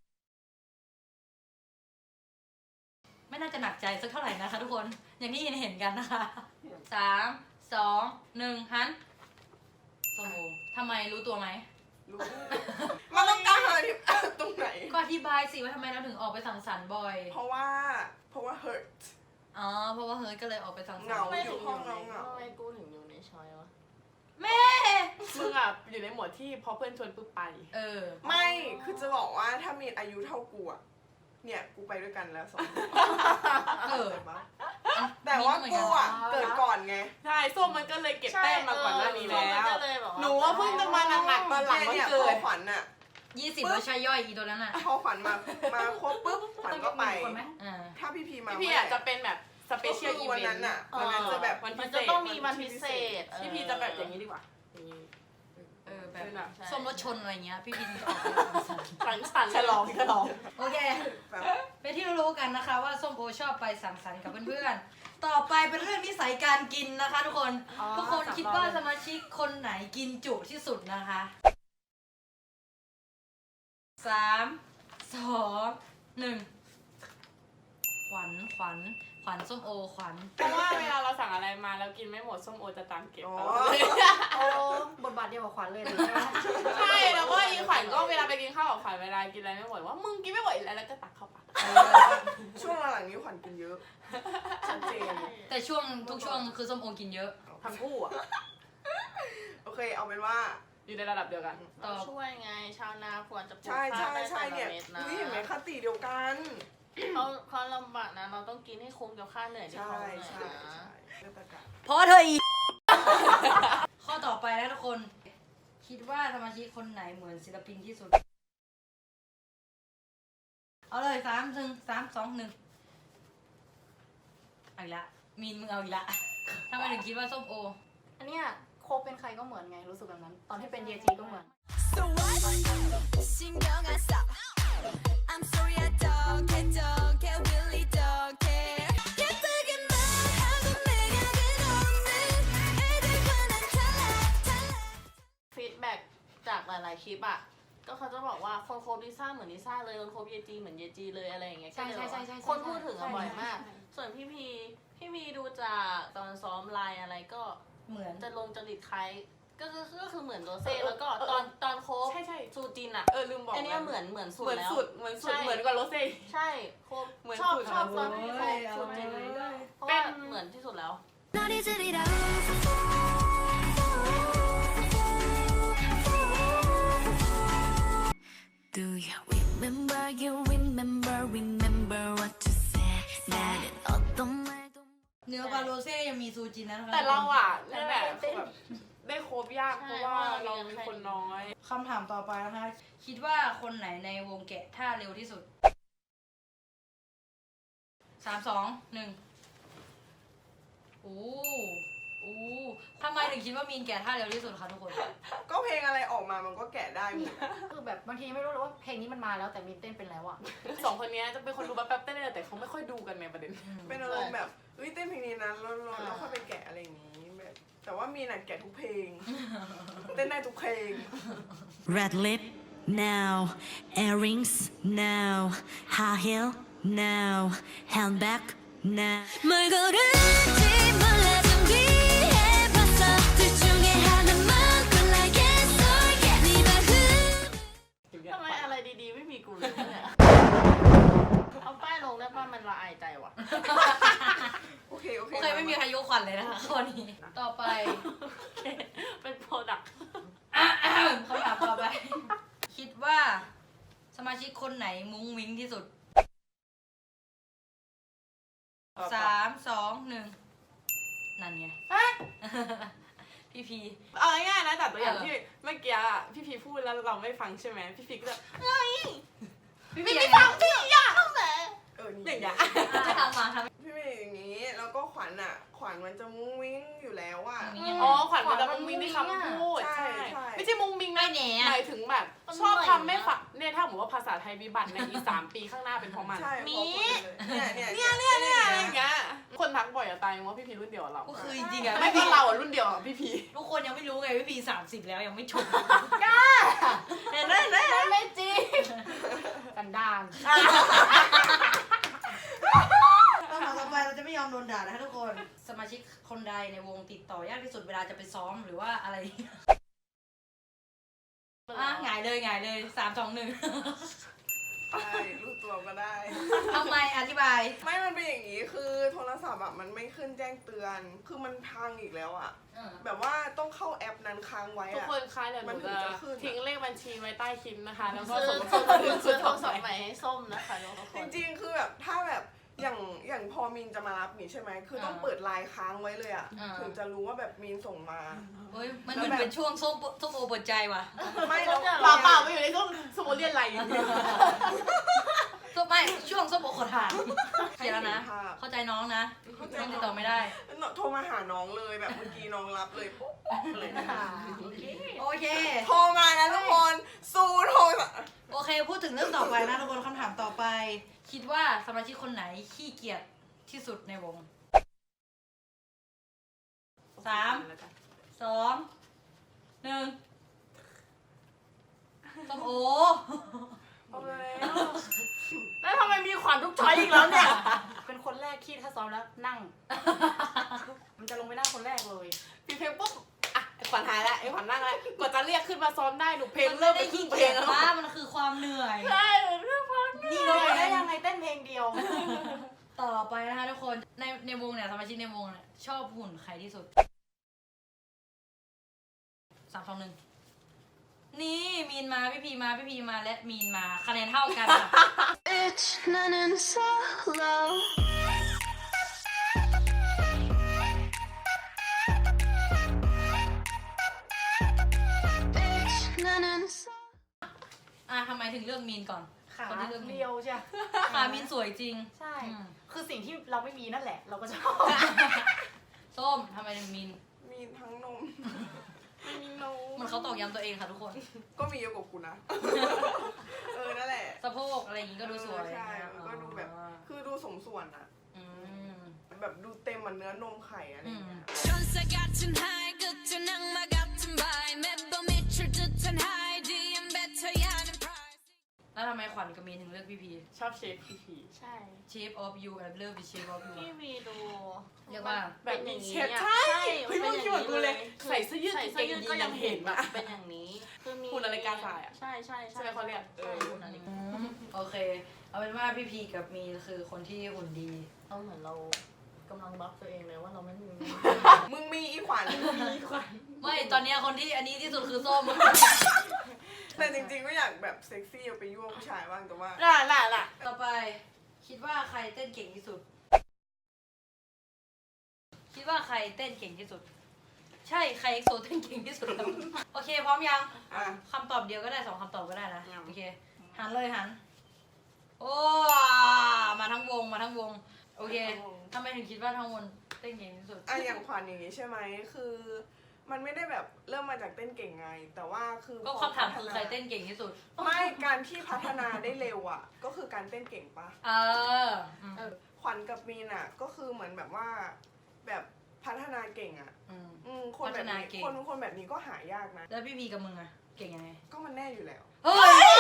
Speaker 1: ไม่น่าจะหนักใจสักเท่าไหร่นะคะทุกคนอย่างที่เห็นเห็นกันนะคะสามสองหนึ่งฮันสมโอทำไมรู้ตัวไหม
Speaker 5: รู้มันต้องการหาที่ตรงไหน
Speaker 1: ก็อธิบายสิว่าทำไมเราถึงออกไปสังสรรค์บ่อย
Speaker 5: เพราะว่าเพราะว่า hurt
Speaker 1: อ๋อเพราะว่าเฮ้ยก็เลยออกไปสังสรร
Speaker 5: เหงา
Speaker 1: ค์
Speaker 2: ทำไม
Speaker 5: อ
Speaker 2: ถึ
Speaker 5: ยู่
Speaker 2: ง
Speaker 5: ห้อง
Speaker 2: อยู่ใน
Speaker 5: เหงา
Speaker 2: ทำไมกูถึงอยู่ในชอยวะ
Speaker 1: แม่
Speaker 3: มึงอ่ะอยู่ในหมวดที่พอเพื่อนชวนปุ๊บไป
Speaker 1: เออ
Speaker 5: ไม่ คือจะบอกว่าถ้ามีอายุเท่ากูอะเนี่ยกูไปด้วยกันแล้วสองคน
Speaker 1: เออ
Speaker 5: แต่ว่าแต่ว่ากูอะเกิดก่อนไง
Speaker 3: ใช่ส้มมันก็เลยเก็บแต้มมาก่อนหน้านี้แล้ว
Speaker 2: ก็เลยบอกว่า
Speaker 3: หนูว่าเพิ่งจะมาหนักๆตอนหลังวัน
Speaker 5: เนี่ย
Speaker 3: เกิ
Speaker 5: พอ
Speaker 3: ด
Speaker 5: ขวัญอะ
Speaker 1: ยี่สิบแล้วใช้ย่อยอีตัวนั้นอ่ะ
Speaker 5: พอขวัญมา มาครบปุ๊บขวัญก็ไป
Speaker 4: คนไหม
Speaker 1: อ่า
Speaker 5: ถ้าพี่พีมา
Speaker 3: พี่พี่อ่ะจะเป็นแบบสเป
Speaker 5: ก็
Speaker 3: เชี
Speaker 5: คื
Speaker 3: ยล
Speaker 5: อ
Speaker 3: อี
Speaker 5: วั
Speaker 3: เวน น
Speaker 5: นั้น
Speaker 3: ต์
Speaker 5: อะวันนั้นจะแบบ
Speaker 3: วัน
Speaker 2: มั
Speaker 3: พิ
Speaker 2: น
Speaker 3: เศ
Speaker 2: จะ
Speaker 3: ษ
Speaker 2: ต้องมีวันพิเศษ
Speaker 3: พี่พีจะแบบอย่างนี้ดีกว่าอย่างนี้
Speaker 1: เออแบบ
Speaker 3: เป็นอะ
Speaker 1: ส้มรถชนอะไรเงี้ยพี่พินจะออกไปสังสรรค์
Speaker 3: สังสรรค์ฉลองฉลอง
Speaker 1: โอเค
Speaker 5: แบบ
Speaker 1: เป็นที่รู้กันนะคะว่าส้มโอชอบไปสังสรรค์กับเพื่อนๆ ต่อไปเป็นเรื่องนิสัยการกินนะคะ ทุกคน
Speaker 4: อ๋อ
Speaker 1: ทุกคน
Speaker 4: สับ
Speaker 1: คิด
Speaker 4: รอบ
Speaker 1: ว่า
Speaker 4: เลย
Speaker 1: สมาชิกคนไหนกินจุที่สุดนะคะสามสองหนึ่งขวัญขวัญขวัญส้มโอขวัญ
Speaker 3: เพราะว่าเวลาเราสั่งอะไรมาแล้วกินไม่หมดส้มโอจะตามเก็บ
Speaker 5: อ๋อ
Speaker 3: ตลอดเลย
Speaker 4: โอ้บทบาทเดียวกับขวัญเลยใช่ไหม
Speaker 3: ใช่แล้วก็อีขวัญก็เวลาไปกินข้าวกับขวัญเวลากินอะไรไม่หมดว่ามึงกินไม่หมดอีกแล้วแล้วก็ตักเข้าปาก
Speaker 5: ช่วงหลังๆนี้ขวัญกินเยอะ ชัดเจน
Speaker 1: แต่ช่วงทุกช่วงคือส้มโอกินเยอะ
Speaker 3: ทั้งคู่อ่ะ
Speaker 5: โอเค เอาเป็นว่า
Speaker 3: อยู่ในระดับเดียวกัน
Speaker 1: ต่อ
Speaker 2: ช่วยไงชาวนาควรจะปลูก
Speaker 5: ใช่
Speaker 2: ข้า
Speaker 5: ใช่
Speaker 2: วได้
Speaker 5: ใช่
Speaker 2: แต่ละ
Speaker 5: เนี่ย
Speaker 2: เม็ดนะ
Speaker 5: นี่เห็นไหมคติเดียวกัน
Speaker 2: เขาเขาลำบากนะเราต้องกินให้คุ้มกับค่าเหนื่อยที่
Speaker 5: ใช่
Speaker 2: เขาเหนื่อย
Speaker 5: ใช่
Speaker 2: นะ
Speaker 5: ใช่เรื่องประกาศ
Speaker 1: เพราะเธออีก ข้อต่อไปแล้วทุกคน คิดว่าสมาชิกคนไหนเหมือนศิลปินที่สุด เอาเลยสามหนึ่งสามสองหนึ่งเอาอีกละมีนมึงเอาอีกละทำไมถึงคิดว่าส้มโอ
Speaker 4: อันเนี้ยโคเป็นใครก็เหมือนไงรู้สึกแบบนั้น ตอนที่เป็นเยจีก็เหมือน
Speaker 6: So what? 신경 안 써. I'm sorry I don't care, don't care, really don't care. 예쁘게 말하고 내가 끝없는 애들과 난 달라, 달라.
Speaker 2: ฟีดแบ็กจากหลาย ๆ คลิปอ่ะ ก็เขาจะบอกว่าคนโคบลิซ่าเหมือนลิซ่าเลยคนโคบเยจีเหมือนเยจีเลยอะไรอย่างเงี้ย
Speaker 4: ใช่
Speaker 2: ก็เลย
Speaker 4: ใช่ใช่ใช่
Speaker 2: คนพูดถึงอะ
Speaker 4: ใช่
Speaker 2: บ่อยมาก
Speaker 4: ใช่
Speaker 2: ส่วนพี่พีพี่พีดูจากตอนซ้อมไลน์อะไรก็
Speaker 1: เหมือน
Speaker 2: จะลงจริตคล้ายก็คือก็คือเหมือนโรเซ่แล้วก็ตอนตอนโคบ
Speaker 3: ใช่ใช่
Speaker 2: ซูจินอะ
Speaker 3: เออลืมบอก
Speaker 2: อันเนี้ยเหมือนเหมือนสุด
Speaker 3: เหมือน
Speaker 2: แล้ว
Speaker 3: สุดเหมือนสุด
Speaker 2: ใช่
Speaker 3: เหมือนกว่าโรเซ่
Speaker 2: ใช่โคบ
Speaker 3: เหมือน
Speaker 2: ชอบ
Speaker 3: สุด
Speaker 2: ชอบ
Speaker 3: อะ
Speaker 2: ตอนที่โค
Speaker 1: โอ้ย
Speaker 2: บซูจิน
Speaker 1: เอาเลย
Speaker 2: เพราะว่าเหมือนที่สุดแล้ว
Speaker 6: 너를 들이라. Do you remember, you remember, remember what you said. 나는 어떤 말도
Speaker 1: เนื้อบาโรเซ่ยังมีซูจินนะนะคะ
Speaker 3: แต่เราอ่ะนี่แหละแบบได้โคบยากเพราะว่า
Speaker 2: ใช่
Speaker 3: เรามีคนน้อย
Speaker 1: คำถามต่อไปนะคะ คิดว่าคนไหนในวงแกะท่าเร็วที่สุดสามสองหนึ่งโอ้โอ้ทำไมถึงคิดว่ามีนแกะท่าเร็วที่สุดคะทุกคน
Speaker 5: ก็เพลงอะไรออกมามันก็แกะได้หมด
Speaker 4: คือแบบบางทีไม่รู้เลยว่าเพลงนี้มันมาแล้วแต่มีเต้นเป็นแล้วอ่ะ
Speaker 3: สองคนเนี้ยจะเป็นคนดูแป๊บๆเต้นเลยแต่เขาไม่ค่อยดูกันในประเด็น
Speaker 5: เป็นอารมณ์แบบเอ้ยเต้นเพลงนี้นะแล้วแล้วแล้วค่อยไปแกะอะไรอย่างนี้แบบแต่ว่ามีน่ะแกะทุกเพลง เต้นได้ทุกเพลง
Speaker 7: Red lip now, earrings now, high heel now, handbag now.
Speaker 6: 뭘 고를지
Speaker 2: ว่ามันละอายใจว่ะ
Speaker 5: โอเค โอเค
Speaker 1: โอเคไม่มีใครยกขวัญเลยนะคะข้อนี้ ต่อไป
Speaker 2: เป็นโปรดักต์
Speaker 1: คำถามต่อไป คิดว่าสมาชิกคนไหนมุ้งมิ้งที่สุด สามสองหนึ่งนั่นไง พี่พี
Speaker 3: เอาง่ายๆนะแต่ตัวอย่าง
Speaker 1: เออ
Speaker 3: ที่เมื่อกี้อะพี่พีพูดแล้วเราไม่ฟังใช่ไหมพี่พีก็จะ
Speaker 1: พี่พี
Speaker 3: ไม่ฟังพี่อยากแต่
Speaker 5: เออ
Speaker 3: อ
Speaker 5: นี่
Speaker 3: ย่างเงี้ย
Speaker 1: จะทำมาทำ
Speaker 5: พี่เป็นอย่างนี้ แล้วก็ขวัญอ่ะ ขวัญมันจะมุ้งมิ้งอยู่แล้วอ่ะ
Speaker 1: มุ้งมิ้ง
Speaker 3: อ๋อขวัญมันจะมุ้งมิ้งที่คำพูด
Speaker 5: ใช่
Speaker 3: ใช่
Speaker 5: ใช่
Speaker 3: ไม่ใช่มุ้งมิ้ง
Speaker 1: ไม่
Speaker 3: นะ
Speaker 1: แหน่
Speaker 3: หมายถึงแบบชอบทำไม่ฝักเนี่ยถ้าผมว่าภาษาไทยวิบัติในอีกสามปีข้างหน้าเป็นเพราะมัน
Speaker 5: ใช่
Speaker 3: มี
Speaker 5: พอพูดเลยเนี่ย
Speaker 3: เนี่ยเนี่ยเนี่ยอะไรอย่างเงี้ยคนทักบ่อยอะตายว่าพี่พีรุ่นเดียวกับเรา
Speaker 1: ก็คือจริงๆอะ
Speaker 3: ไม่ก็เราอะรุ่นเดียวกับพี่พี
Speaker 1: ทุกคนยังไม่รู้ไงพี่พีสามสิบแล้วยังไม่จบ
Speaker 3: เห็นไหมเห็นไหม
Speaker 2: ไม่จริง
Speaker 4: กันดาน
Speaker 1: คำถามต่อไปเราจะไม่ยอมโดนด่านะคะทุกคน สมาชิกคนใดในวงติดต่อยากที่สุดเวลาจะไปซ้อมหรือว่าอะไร อ่ะหงายเลยหงายเลยสามสองหนึ่ง
Speaker 5: ใช่รู้ตัวก็ได้
Speaker 1: ทำไมอธิบาย
Speaker 5: ไม่มันเป็นอย่างนี้คือโทรศัพท์อ่ะมันไม่ขึ้นแจ้งเตือน คือมันพังอีกแล้วอ่ะ แบบว่าต้องเข้าแอปนั้นค้างไว้
Speaker 3: ทุก
Speaker 5: อ่ะ
Speaker 3: คนคะเดี๋ยวห
Speaker 5: มัน
Speaker 3: นู
Speaker 5: ถึง
Speaker 3: จะ
Speaker 5: จะขึ้นอะ
Speaker 3: ทิ้งเลขบัญชีไว้ใต้คลิปนะคะ แล้วก็
Speaker 2: ซื้อ
Speaker 3: ส่ง
Speaker 2: ซื้อ
Speaker 3: ส่ง
Speaker 2: ซื้อ
Speaker 3: ส่
Speaker 2: โทรง ศั
Speaker 3: ส่
Speaker 2: พ
Speaker 3: ง
Speaker 2: ท์ใหม่ให้ส้มนะคะทุกค
Speaker 5: จ
Speaker 2: น
Speaker 5: ริงๆ คือแบบถ้าแบบอย่างอย่างพอมินจะมารับนี่ใช่ไหม คือต้อง
Speaker 1: อ่า
Speaker 5: เปิดไลน์ค้างไว้เลยอ่ะ
Speaker 1: อ่า
Speaker 5: ถึงจะรู้ว่าแบบมินส่งมา
Speaker 1: เฮ้ยมันเหมือนเป็นช่วงส้มส้มโอเปิดใจว่ะ
Speaker 5: ไม่แล้ว
Speaker 3: เปล่าเปล่าไม่อยู่ในช่วงสมมติเรียนอะไรอย่างเงี้ย
Speaker 1: ส้มไม่ช่วงส้มโอขอถามเขียนแล้วนะ เข้าใจน้องนะน้องติดต่อไม่ได้
Speaker 5: โทรมาหาน้องเลยแบบเมื่อกี้น้องรับเลยปุ๊บเลย
Speaker 1: โอเค
Speaker 5: โทรมานะทุกคนสู้โทร
Speaker 1: โอเค พูดถึงเรื่องต่อไปนะทุกคนคำถามต่อไป คิดว่าสมาชิกคนไหนขี้เกียจที่สุดในวง สาม สองหนึ่งส้มโอ
Speaker 5: เอาแล้ว
Speaker 2: แล้วทำไมมีขวัญทุกช้อยอีกแล้วเนี่ย
Speaker 4: เป็นคนแรกที่ถ้าซ้อมแล้วนั่ง มันจะลงไปนั่งคนแรกเลย
Speaker 3: พี่เพลงปุ๊บอ่ะไอ้ขวัญหายแล้วไอ้ขวัญนั่งแล้วกว่าจะเรียกขึ้นมาซ้อมได้หนูเพลง
Speaker 1: มัน
Speaker 3: เริ่
Speaker 1: ไม่
Speaker 3: ม
Speaker 1: ได้
Speaker 3: ไปครึ่
Speaker 1: ขี้
Speaker 3: งเพล
Speaker 1: เกีย
Speaker 3: ง
Speaker 1: จ
Speaker 3: แล้ว
Speaker 1: ว่ามันคือความเหนื่อย
Speaker 2: ใช่หนูเรื่องความ
Speaker 1: นี่
Speaker 4: ล
Speaker 1: เล
Speaker 4: งไปได้
Speaker 1: ย
Speaker 4: ยังไงเต้นเพลงเดียว
Speaker 1: ต่อไปนะคะทุกคน ในในวงเนี่ยสมาชิกในวงเนี่ยชอบหุ่นใครที่สุด สามสองหนึ่งนี่มีนมาพี่พีมาพี่พีมาและมีนมาคะแนนเท่ากันค่ะ
Speaker 6: Bitch 나는 solo Bitch 나는 solo
Speaker 1: อ่ะทำไมถึงเลือกมีนก่อน
Speaker 4: ขา
Speaker 1: คนที่เลือกมีน
Speaker 4: เรียวใช่
Speaker 1: ขามีนสวยจริง
Speaker 4: ใช่
Speaker 1: อืม
Speaker 4: คือสิ่งที่เราไม่มีนั่นแหละ เราก็ชอบ
Speaker 1: ส้มทำไมถึงมีน
Speaker 5: มีทั้งนมไม่มีนม
Speaker 1: เหมันเขาตอกย้ำตัวเองค่ะทุกคน
Speaker 5: ก็มีเยอะกว่ากูนะ เออ นั่นแหละ
Speaker 1: สะโพกอะไรอย่างงี้ก็ดูสวย
Speaker 5: เออใช่
Speaker 1: นะ
Speaker 5: มันก็ดูแบบ
Speaker 1: อ๋อ
Speaker 5: คือดูสมส่วนอะ
Speaker 1: อืม
Speaker 5: แบบดูเต็มเหมือนเนื้อนมไข่อะไรอย่างเงี้ย
Speaker 6: 천사 같은 high 끝은 악마 같은 vibe 매번 미칠 듯한 high D M 뱉어야 하는 price
Speaker 1: แล้วทำไมขวัญกับมีนถึงเลือกพี่พี
Speaker 3: ชอบเชฟพี่พี
Speaker 2: ใช่
Speaker 1: Shape of you and love the shape of you
Speaker 2: พี่วีดู
Speaker 1: เรียกว่า
Speaker 3: แบบมีเชฟ
Speaker 2: อะ
Speaker 3: ใช่
Speaker 2: ใช่
Speaker 3: เฮ้ย
Speaker 2: มัน
Speaker 3: มึ
Speaker 2: เป็
Speaker 3: ง
Speaker 2: น
Speaker 3: คิดเหมือนกูเลย
Speaker 2: คือ
Speaker 3: ใส่เสื้อยืด
Speaker 2: ใส่เสื้อยืดก็ยังเห็นแบบ
Speaker 3: อะ
Speaker 2: เป็นอย่างนี้คือมี
Speaker 3: หุ่นนาฬิกาทรายอะ
Speaker 2: ใช่ใช่
Speaker 3: ใช่ไหมเขาเรียกเอ
Speaker 2: ใช่
Speaker 3: อ
Speaker 2: หุ่นนาฬิกา
Speaker 1: อืมโอเค เอาเป็นว่าพี่พีกับมีนคือคนที่หุ่นดี
Speaker 2: เอาเหมือนเรากำลังบล็อกตัวเองเลยว่าเราไม่มี
Speaker 5: มึงมีอีขวัญ
Speaker 3: มีขวัญ
Speaker 1: ไม่ตอนเนี้ยคนที่อันนี้ที่สุดคือส้ม
Speaker 5: แต่จริงๆก็อยากแบบเซ็กซี่เอาไปยั่วผู้ชายบ้างแต่ว่า
Speaker 2: น่ะน่ะน่ะ
Speaker 1: ต่อไป คิดว่าใครเต้นเก่งที่สุด คิดว่าใครเต้นเก่งที่สุด ใช่ใครเอ็กโซเต้นเก่งที่สุดครับ โอเค พร้อมยัง
Speaker 5: อ่ะ
Speaker 1: คำตอบเดียวก็ได้สองคำตอบก็ได้นะโอเคหันเลยหัน โอ้มาทั้งวงมาทั้งวง โอเคทำไมถึงคิดว่าทั้งวงเต้นเก่งที่สุด
Speaker 5: อ่ะอย่างขวัญอย่างนี้ใช่ไหมคือ มันไม่ได้แบบเริ่มมาจากเต้นเก่งไง แต่ว่าคือ
Speaker 1: ก็คำถามคือใครเต้นเก่งที่สุด
Speaker 5: ไม่การที่พัฒนาได้เร็วอ่ะ ก็คือการเต้นเก่งปะ
Speaker 1: เอออืม
Speaker 5: ขวัญกับมีนอ่ะ ก็คือเหมือนแบบว่า แบบพัฒนาเก่งอ่ะ
Speaker 1: อืม
Speaker 5: อืมคนแบบ
Speaker 1: พัฒนา
Speaker 5: นี้
Speaker 1: เก่ง
Speaker 5: คนคนแบบนี้ก็หายากนะ
Speaker 1: แล้วพี่พีกับมึงอะเก่งยังไง
Speaker 5: ก็มันแน่อยู่แล้ว
Speaker 1: เฮ้ย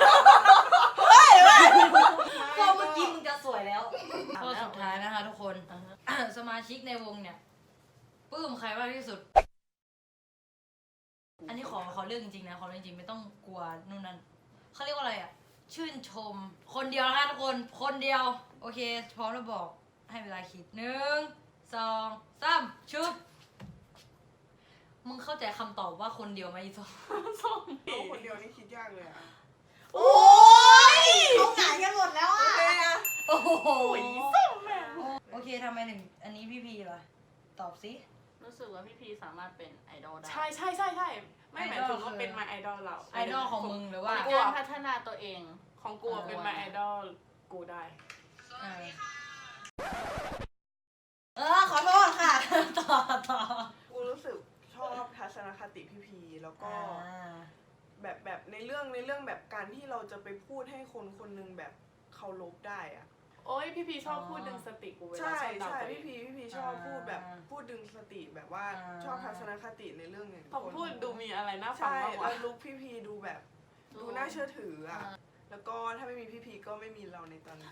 Speaker 1: ก็เมื่อกี้มึงจะสวยแล้วข้อสุดท้ายนะคะทุกคน สมาชิกในวงเนี่ยปลื้มใครมากที่สุด อันนี้ขอขอเรื่องจริงๆนะขอเรื่องจริงไม่ต้องกลัวนู่นนั่นเขาเรียกว่าอะไรอ่ะ ชื่นชม คนเดียวนะคะทุกคน คนเดียวโอเค พร้อมแล้วบอกให้เวลาคิดหนึ่งสองสามชุบมึงเข้าใจคำตอบว่าคนเดียวไหมอีส้ม
Speaker 2: ส้ม
Speaker 5: เอาคนเดียวนี่คิดยากเลยอะ
Speaker 3: โอ้ย
Speaker 1: เขาหงายกันหมดแล้ว
Speaker 5: โอ
Speaker 1: อ่ะ
Speaker 5: เคอะ
Speaker 1: โอ้โห
Speaker 3: ส้มแม่
Speaker 1: โอเคทำไมถึงอันนี้พี่พีล่ะ ตอบสิ
Speaker 2: รู้สึกว่าพี่พีสามารถเป็นไอดอลได้
Speaker 3: ใช่ใช่ใช่ใช่ไม่หมายถึง
Speaker 1: ไอดอล
Speaker 3: ว่าเป็น my idol เรา
Speaker 1: ไอดอลของมึงหรือว่า
Speaker 3: กู
Speaker 2: การ
Speaker 3: อะ
Speaker 2: พัฒนาตัวเอง
Speaker 3: ของกูอะเป็น my idol กูได้
Speaker 1: เออเออขอโทษค่ะ ต่อต่อ
Speaker 5: กูรู้สึกชอบทัศนคติพี่พีแล้วก็
Speaker 1: อ่า
Speaker 5: แบบแบบในเรื่องในเรื่องแบบการที่เราจะไปพูดให้คนคนหนึงแบบเคารพได้อะ
Speaker 3: โอ้ยพี่พีชอบพูดดึงสติกูเวลา
Speaker 5: ใช่
Speaker 3: ชอบด่า
Speaker 5: ใช่
Speaker 3: ตัวเอ
Speaker 5: พี่
Speaker 3: ง
Speaker 5: พีพี่พีชอบพูดแบบพูดดึงสติแบบว่าชอบทัศนคติในเรื่องอย่าง
Speaker 3: ผมพูดดูมีอะไรน่าฟัง
Speaker 5: ใช่
Speaker 3: มากกว่า
Speaker 5: แล้วลุคพี่พีดูแบบ
Speaker 2: ดู
Speaker 5: ดูน่าเชื่อถืออ่ะแล้วก็ถ้าไม่มีพี่พีก็ไม่มีเราในตอนนี้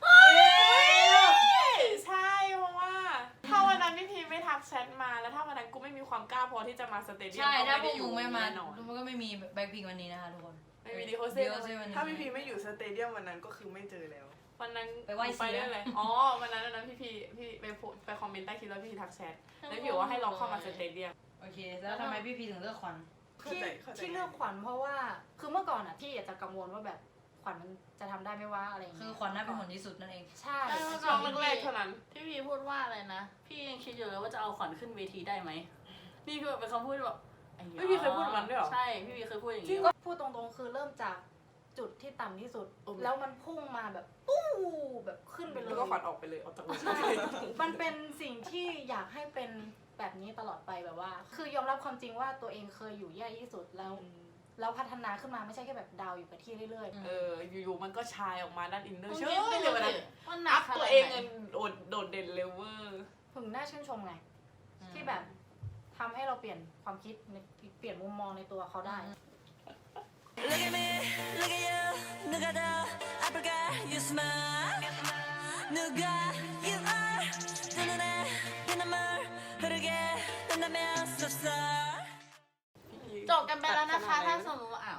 Speaker 3: ใช่เพราะว่าถ้าวันนั้นพี่พีไม่ทักแชทมาแล้วถ้าวันนั้นกูไม่มีความกล้าพอที่จะมาสเตเดียม
Speaker 1: ใช่
Speaker 3: ก็
Speaker 1: ถ้า
Speaker 3: ไม่
Speaker 1: พว
Speaker 3: ได้
Speaker 1: ก
Speaker 3: อยู่
Speaker 1: มึงไม่มา
Speaker 3: แน่นอน
Speaker 1: มันก็ไม่มีแบ็คพิงวันนี้นะคะทุกคน
Speaker 3: ไม่มีดิโอเซ่
Speaker 1: ดิโอเซ่วันนี้
Speaker 5: ถ้าพี่พีไม่อยู่สเตเดียมวันนั้นก็คือไม่เจอแล้ว
Speaker 3: วันนั้น
Speaker 1: ไปไหว้
Speaker 3: ไป
Speaker 1: เสีย
Speaker 3: ด้วยเลยอ๋อวันนั้นวันนั้นพี่พีพี่ไปโพสไปคอมเมนต์ใต้คลิปแล้วพี่พีทักแชทแล้วพี่บอกว่าให้ลองเข้ามาสเตเดียม
Speaker 1: โอเค แล้วทำไมพี่พีถึงเลือกขวัญ
Speaker 5: เข้า
Speaker 4: ที่
Speaker 5: ใจเข้าใจ
Speaker 4: ที่เลือกขวัญเพราะว่าคือเมื่อก่อนอ่ะพี่อาจจะกังวลว่าแบบขวัญมันจะทำได้ไหมว่าอะไรอย่าง
Speaker 1: คื
Speaker 4: เงี้
Speaker 1: อย ขวัญน่าเป็นคนที่สุดนั่นเอง
Speaker 4: ใช่
Speaker 2: ใช่
Speaker 3: ช่วงแรกๆเท่านั้น
Speaker 2: พี่พีพูดว่าอะไรนะ พี่ยังคิดอยู่เลยว่าจะเอาขวัญขึ้นเวทีได้ไหมนี่คือแบบเป็นคำพูดที่แบบไอ้
Speaker 3: พี่พีเคยพูดแบบนั้นด้วยเหรอ
Speaker 2: ใช่พี่พีเคยพูดอย่างนี้
Speaker 4: ก็พูดตรงๆคือเริ่มจากจุดที่ต่ำที่สุด
Speaker 3: โอ้
Speaker 4: แล้วมันพุ่งมาแบบปู้แบบขึ้นไปเล
Speaker 3: แล้ว
Speaker 4: ย
Speaker 3: ก็ขวัญออกไปเลยออกจากวง
Speaker 4: ใช่ มันเป็นสิ่งที่อยากให้เป็นแบบนี้ตลอดไปแบบว่า คือยอมรับความจริงว่าตัวเองเคยอยู่แย่ที่สุดแล้วแล้วพัฒนาขึ้นมาไม่ใช่แค่แบบดาวอยู่กับที่เรื่อย
Speaker 3: เอออยู่ๆมันก็ชายออกมาด้านอินเนอร์
Speaker 2: มึง
Speaker 3: เชื่
Speaker 2: คิด
Speaker 3: อ
Speaker 2: ไป
Speaker 3: เล
Speaker 2: เลย ย
Speaker 3: วันนั้น
Speaker 2: ว่าหนั
Speaker 3: อั
Speaker 2: ก
Speaker 3: พ
Speaker 2: ขนาด
Speaker 3: ตัว
Speaker 2: ไหน
Speaker 3: เองเงินโดดโดดเด่นเลเวอร์
Speaker 4: ๆถึงน่าชื่นชมไง ที่แบบทำให้เราเปลี่ยนความคิดในเปลี่ยนมุมมองในตัวเขาได้
Speaker 7: Look at me, look at you. 누가 더 아플까? You smile. 누가 you are. 두 눈에 빛나물 흐르게 된다면 so sorry.
Speaker 2: จบกันไปแล้วนะคะ ถ้าสมมติว่าอ้าว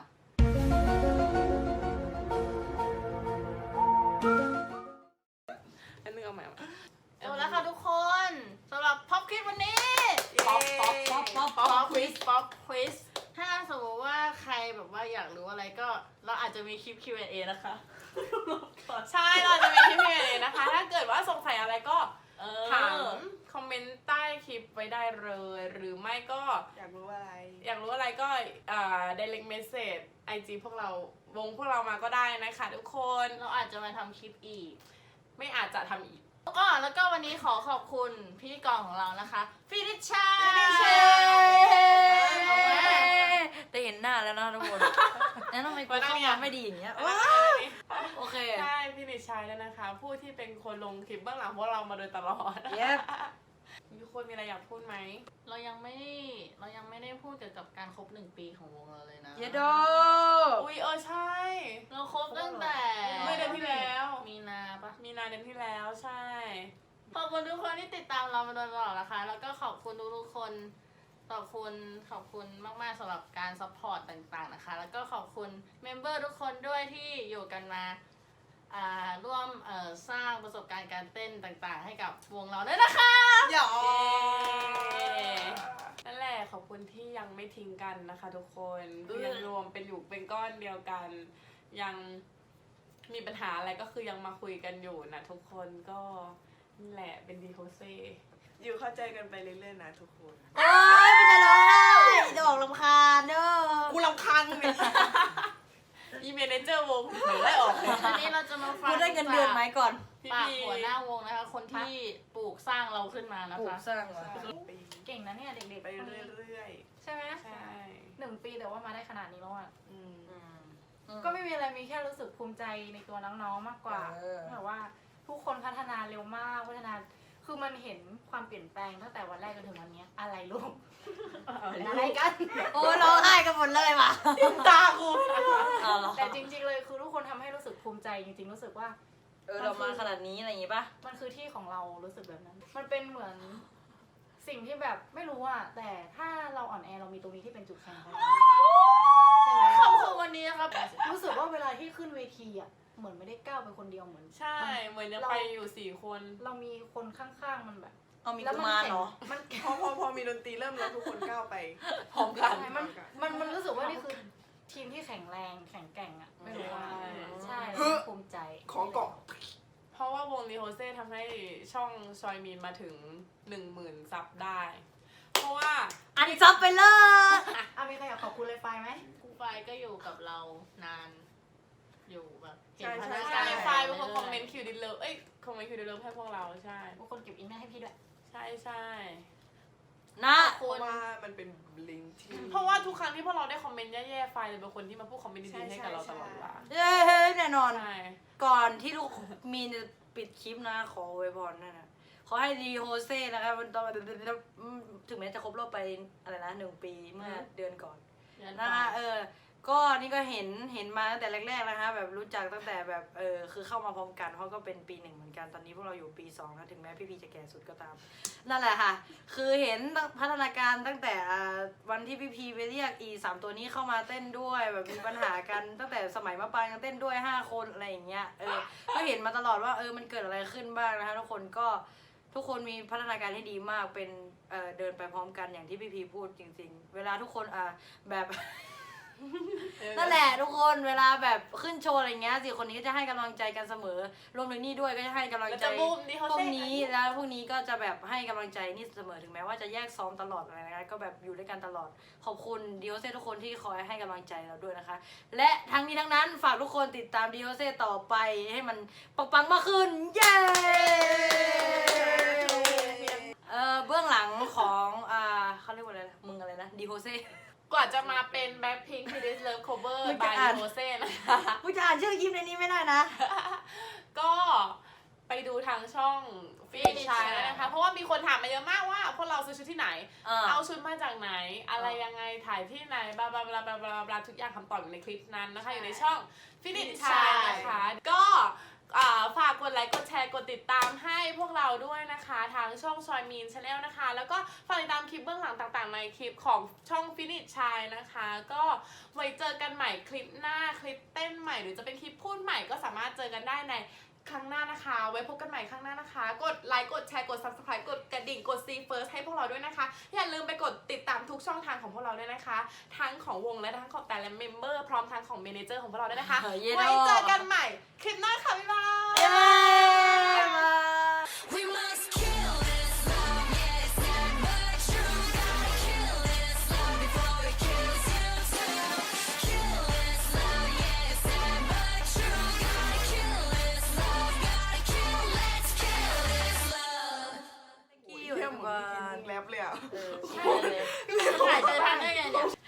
Speaker 3: อันนึงเอาใหม่เอาใหม่
Speaker 2: จบแล้วค่ะทุกคนสำหรับพ็อปคลิปวันนี้
Speaker 3: ป๊อปป๊อปป๊อปป๊อปป๊อปควิส
Speaker 2: ป๊อปควิสถ้าสมมติว่าใครแบบว่าอยากรู้อะไรก็เราอาจจะมีคลิป คิว แอนด์ เอ นะคะ
Speaker 3: ใช่เราจะมีคลิปเพลงนะคะ ถ้าเกิดว่าสงสัยอะไรก็
Speaker 2: เออ
Speaker 3: ถามคอมเมนต์ใต้คลิปไว้ได้เลย หรือไม่ก็
Speaker 5: อยากรู้อะไร
Speaker 3: อยากรู้อะไรก็อ่า direct message ไอ จี พวกเราวงพวกเรามาก็ได้นะคะทุกคน
Speaker 2: เราอาจจะมาทำคลิปอีก
Speaker 3: ไม่อาจจะทำอีก
Speaker 2: ก็แล้วก็วันนี้ขอขอบคุณพิธีกรของเรานะคะฟินิชชัย
Speaker 1: เอาไว้ได้เห็นหน้าแล้วนะทุกคน แล้วทำไมกูเข้ามาไม่ดีอย่างเงี้ยว้าวโอเค
Speaker 3: ใช่พี่นิชัยแล้วนะคะ ผู้ที่เป็นคนลงคลิปเบื้องหลังพวกเรามาโดยตลอด
Speaker 1: Yep
Speaker 3: มีคนมีอะไรอยากพูดไหม
Speaker 2: เรายังไม่ได้เรายังไม่ได้พูดเกี่ยวกับการครบหนึ่งปีของวงเราเลยนะ
Speaker 1: เยโด
Speaker 3: อุ้ยเออใช่
Speaker 2: เราครบตั้งแต่
Speaker 3: เมื่อเดือนที่แล้ว
Speaker 2: มีนาปะ
Speaker 3: มีนาเดือนที่แล้วใช่
Speaker 2: ขอบคุณทุกคนที่ติดตามเรามาโดยตลอดนะคะ แล้วก็ขอบคุณทุกๆคนขอบคุณขอบคุณมากๆสำหรับการซัพพอร์ตต่างๆนะคะ แล้วก็ขอบคุณเมมเบอร์ทุกคนด้วยที่อยู่กันมาอ่าร่วมเอ่อสร้างประสบการณ์การเต้นต่างๆ ให้กับวงเราด้วยนะคะ
Speaker 5: หยอ
Speaker 3: นั่นแหละขอบคุณที่ยังไม่ทิ้งกันนะคะทุกคนยังรวมเป็นอยู่เป็นก้อนเดียวกัน ยังมีปัญหาอะไรก็คือยังมาคุยกันอยู่นะทุกคนก็นั่นแหละเป็นดีโฮเซ
Speaker 5: อยู่เข้าใจกันไปเรื่อยๆนะทุกคน
Speaker 1: โอ๊ยมันจะร้องไห้จะบอกลำคาญเด้อ
Speaker 5: กูรำคาญมึงเนี่ย
Speaker 3: อีเมเนเจอร์วงหนูได้ออกเลย
Speaker 2: วันนี้เราจะมาฟัง
Speaker 1: กูได้เงินเดือนไหมก่อน
Speaker 3: พี่
Speaker 2: ปาก
Speaker 3: พี
Speaker 2: หัวหน้าวงนะคะ คนที่ปลูกสร้างเราขึ้นมานะ
Speaker 1: ปลูก
Speaker 2: คะ
Speaker 1: สร้างวะ
Speaker 4: เก่งนะเนี่ยเด็กๆ
Speaker 5: ไป
Speaker 4: คนนี้
Speaker 5: เรื่อย
Speaker 4: ใช่ไหม
Speaker 3: ใช่
Speaker 4: หนึ่งปีแต่ว่ามาได้ขนาดนี้แล้วอ่ะ
Speaker 5: ๆอืม
Speaker 4: ก็ไม่มีอะไรมีแค่รู้สึกภูมิใจในตัวน้องๆมากกว่า
Speaker 1: เออ
Speaker 4: แบบว่าทุกคนพัฒนาเร็วมากพัฒนาคือมันเห็นความเปลี่ยนแปลงตั้งแต่วันแรกจนถึงวันเนี้ยอะไรลูกอะไรกัน
Speaker 1: โอ้ร้องไห้กันหมดเลยว่ะ
Speaker 3: ตากู
Speaker 1: เอาเหรอ
Speaker 4: แต่จริงๆเลยคือทุกคนทำให้รู้สึกภูมิใจจริงๆรู้สึกว่า
Speaker 1: เออเรามาขนาดนี้อะไรอย่างงี้ป่ะ
Speaker 4: มันคือที่ของเรารู้สึกแบบนั้น มันเป็นเหมือนสิ่งที่แบบไม่รู้อะแต่ถ้าเราอ่อนแอเรามีตรงนี้ที่เป็นจุดแข็งของเราใช่ไหม
Speaker 2: ขอบคุณวันนี้นะครับ
Speaker 4: รู้สึกว่าเวลาที่ขึ้นเวทีอะเหมือนไม่ได้ก้าวไปคนเดียวเหมือน
Speaker 3: ใช่ เหมือนยังไปอยู่สี่คน
Speaker 4: เรามีคนข้างๆมันแบบ
Speaker 1: เอามี
Speaker 4: แล้ว
Speaker 1: กุ
Speaker 4: มัน
Speaker 1: มาร
Speaker 4: แข็ง
Speaker 1: เหรอ
Speaker 4: มันแข็ง
Speaker 5: พอพอพอมีดนตรีเริ่มแล้วทุกคนก้าวไป
Speaker 3: พร้อมกัน
Speaker 4: ใช่มันมันมันรู้สึกว่านี่คือทีมที่แข็งแรงแข็งแกร่งอ่ะไม่รู้ว่า
Speaker 3: ใช่
Speaker 4: ใช่แล้วภูมิใจ
Speaker 5: ขอเกาะ
Speaker 3: เพราะว่าวงลีโฮเซ่ทำให้ช่องชอยมีนมาถึงหนึ่งหมื่นซับได้ เพราะว่า
Speaker 1: อันซับไปเลย
Speaker 4: อ่ะมีใครอยากขอบคุณเลยไฟไหม
Speaker 2: ครูไฟก็อยู่กับเรานาน อยู่แบบเห็น
Speaker 5: ใช่
Speaker 2: พัฒ
Speaker 5: ใช่
Speaker 2: นา
Speaker 3: ใช่
Speaker 2: การ
Speaker 3: ไฟล์เป็นคนคอมเมนต์คิวดิเลิฟเอ้ยคอมเมนต์คิวดิเลิฟให้พวกเราใช่
Speaker 4: ทุกคนเก็บอินเนอร์ให้พี่ด้วย
Speaker 3: ใช่ใช่
Speaker 1: นะ
Speaker 5: เพราะว่ามันเป็นลิงก์ที่
Speaker 3: เพราะว่าทุกครั้งที่พวกเราได้คอมเมนต์แย่ๆไฟล์เลยเป็นคนที่มาพูดคอมเมนต์ดีๆให้กับเราตลอดเวลา
Speaker 1: เย้แน่นอน
Speaker 3: ใช่
Speaker 1: ก่อนที่ลูกมีนจะปิดคลิปนะ ขออวยพรนั่นนะขอให้ดีโฮเซ่นะครับมันตอนถึงแม้จะครบรอบไปอะไรนะหนึ่งปีเมื่อเดือนก่อน นะคะเออ ก็นี่ก็เห็นเห็นมาตั้งแต่แรกๆนะคะแบบรู้จักตั้งแต่แบบเออคือเข้ามาพร้อมกันเพราะก็เป็นปีหนึ่งเหมือนกันตอนนี้พวกเราอยู่ปีสองแล้วถึงแม้พี่พีจะแก่สุดก็ตาม นั่นแหละค่ะ คือเห็นพัฒนาการตั้งแต่อ่าวันที่พี่พีไปเรียกอีสามตัวนี้เข้ามาเต้นด้วยแบบมีปัญหากัน ตั้งแต่สมัยมะปรางยังเต้นด้วยห้าคนอะไรอย่างเงี้ยเออก็เห็นมาตลอดว่าเออมันเกิดอะไรขึ้นบ้างนะคะทุกคนก็ทุกคนมีพัฒนาการที่ดีมากเป็นเออเดินไปพร้อมกันอย่างที่พี่พีพูดจริง ๆ เวลาทุกคนอ่าแบบ นั่นแหละทุกคนเวลาแบบขึ้นโชว์อะไรเงี้ยสี่คนนี้ก็จะให้กำลังใจกันเสมอรวมถึงนี่ด้วยก็จะให้กำลัง
Speaker 3: แล้ว
Speaker 1: ใจ
Speaker 3: จะบูมดีโฮ
Speaker 1: พว
Speaker 3: เซ่
Speaker 1: กนี้แล้วพวกนี้ก็จะแบบให้กำลังใจนี่เสมอถึงแม้ว่าจะแยกซ้อมตลอดอะไรนะคะก็แบบอยู่ด้วยกันตลอดขอบคุณดีโอเซ่ทุกคนที่คอยให้กำลังใจเราด้วยนะคะ และทั้งนี้ทั้งนั้นฝากทุกคนติดตามดีโอเซ่ต่อไปให้มันปังๆมากขึ้นเย้เออเบื้องหลังของอ่าเขาเรียกว่าอะไรนะมึงอะไรนะดีโอเซ่
Speaker 3: กว่าจะมาเป็นแบ็คพิงค์ที่ดิสเลิฟโคเวอร์
Speaker 1: มึง
Speaker 3: บา
Speaker 1: จะ
Speaker 3: ย
Speaker 1: อ่าน
Speaker 3: ลีโฮเซ่นะคะ
Speaker 1: กูจะอ่านชื่อคลิปในนี้ไม่ได้นะ
Speaker 3: ก็ไปดูทางช่องฟินิชชายนะคะ เพราะว่ามีคนถามมาเยอะมากว่าพวกเราซื้อชุดที่ไหน
Speaker 1: อ่า
Speaker 3: เอาชุดมาจากไหน อะไรยังไงถ่ายที่ไหนบลาบลาบลาบลาบลาบลาทุกอย่างคำตอบอยู่ในคลิปนั้นนะคะ อยู่ในช่องฟินิชชายนะคะ ก็อ่าฝากกดไลค์กดแชร์กดติดตามให้พวกเราด้วยนะคะทางช่องชอยมีนชาแนลนะคะ แล้วก็ฝากติดตามคลิปเบื้องหลังต่างๆในคลิปของช่องฟินิชชายนะคะ ก็ไว้เจอกันใหม่คลิปหน้าคลิปเต้นใหม่หรือจะเป็นคลิปพูดใหม่ก็สามารถเจอกันได้ในครั้งหน้านะคะ ไว้พบกันใหม่ครั้งหน้านะคะ กดไลค์กดแชร์กด ซับสไครบ์ กดกระดิ่งกด ซี First ให้พวกเราด้วยนะคะอย่าลืมไปกดติดตามทุกช่องทางของพวกเราด้วยนะคะทั้งของวงและทั้งของแต่ละเมมเบอร์พร้อมทั้งของเมเนเจอร์ของพวกเราด้วยนะคะ
Speaker 1: เออเย้
Speaker 3: ไว้เจอกันใหม่คลิปหน้าค่ะบ๊ายบาย
Speaker 1: เย้
Speaker 7: We must kill this love, yeah, it's sad but true. Gotta kill this love before it kills you too. Kill this love, yeah, it's sad but true. Gotta kill this love, gotta kill, let's kill this love.
Speaker 1: กี่
Speaker 5: เที่ยมเหมือนมึงแรปเลยอ่ะ
Speaker 1: เออ
Speaker 2: ใช่เลยถ่ายเจอทันได้ไงเนี่ย